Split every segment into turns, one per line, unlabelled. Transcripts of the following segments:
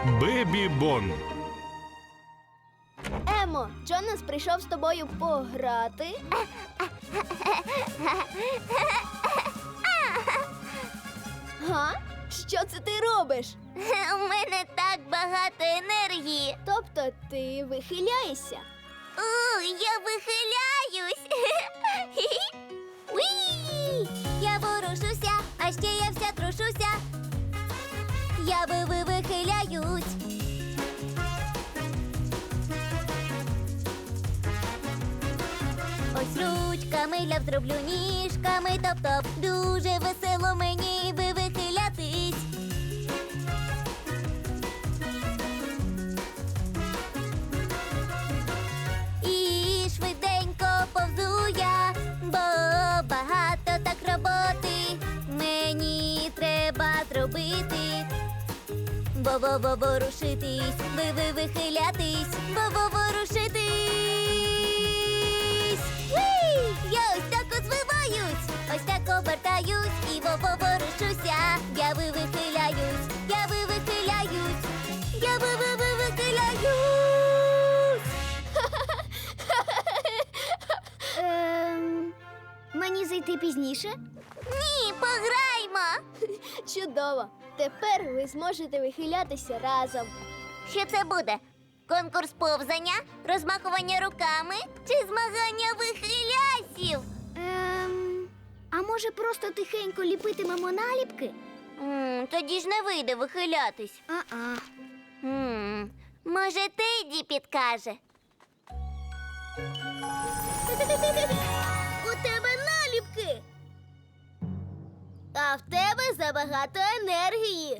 Бебі Бон.
Емо, Джонас прийшов з тобою пограти. Га? Що це ти робиш?
У мене так багато енергії.
Тобто ти вихиляєшся?
Я вихиляюсь. Уі! Я ворушуся, а ще я вся трушуся. Я вихиляюсь. Ось ручками ляв зроблю ніжками, топ-топ. Дуже весело мені вихилятись. І швиденько повзу я, бо багато так роботи мені треба зробити. Ворушитись, вихилятись, ворушитись. Уй! Я ось так звиваюсь, ось так обертаюсь і ворушуся. Я вихиляюсь, я вихиляюсь, я вихиляюсь.
Мені зайти пізніше?
Ні, пограймо.
Чудово! Тепер ви зможете вихилятися разом.
Що це буде? Конкурс повзання, розмахування руками чи змагання вихилясів?
А може просто тихенько ліпитимемо наліпки?
Тоді ж не вийде вихилятись.
А-а.
Може, Теді підкаже?
У тебе наліпки! А в тебе забагато енергії.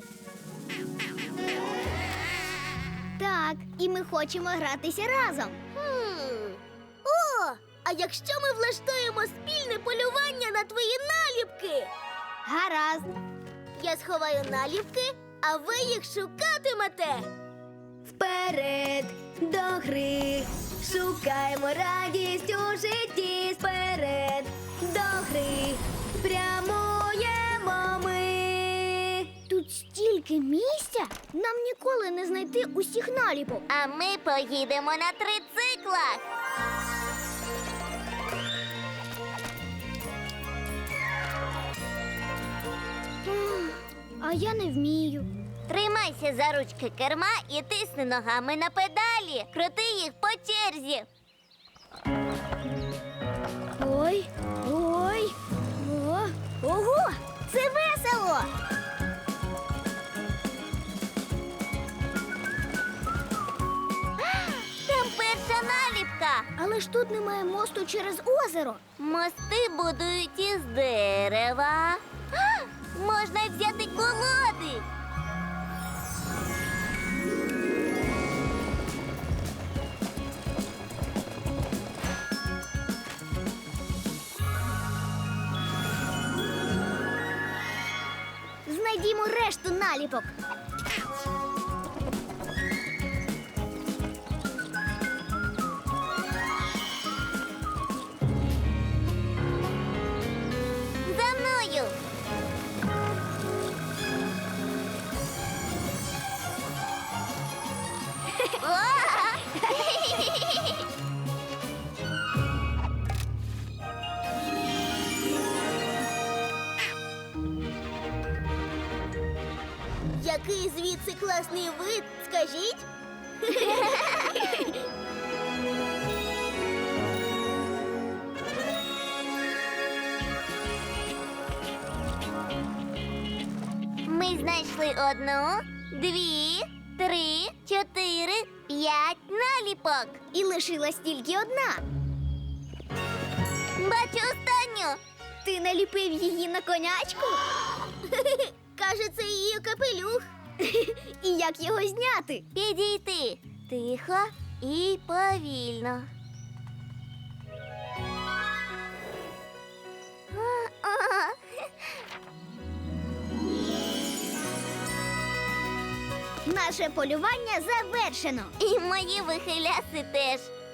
Так, і ми хочемо гратися разом. О, а якщо ми влаштуємо спільне полювання на твої наліпки? Гаразд. Я сховаю наліпки, а ви їх шукатимете. Вперед до гри, шукаємо радість у житті. Вперед до гри, прямуємо ми. Тут стільки місця, нам ніколи не знайти усіх наліпок.
А ми поїдемо на трициклах.
А я не вмію.
Тримайся за ручки керма і тисни ногами на педалі. Крути їх по черзі.
Ой, ой, о, ого, це весело!
Там перша наліпка.
Але ж тут немає мосту через озеро.
Мости будують із дерева. Можна взяти колоди.
Знайдімо решту наліпок.
За мною.
Який звідси класний вид, скажіть?
Ми знайшли 1, 2, 3, 4, 5 наліпок.
І лишилась тільки одна.
Бачу останню.
Ти наліпив її на конячку? Каже, це її капелюх. І як його зняти?
Підійти тихо і повільно.
Наше полювання завершено.
І мої вихиляси теж.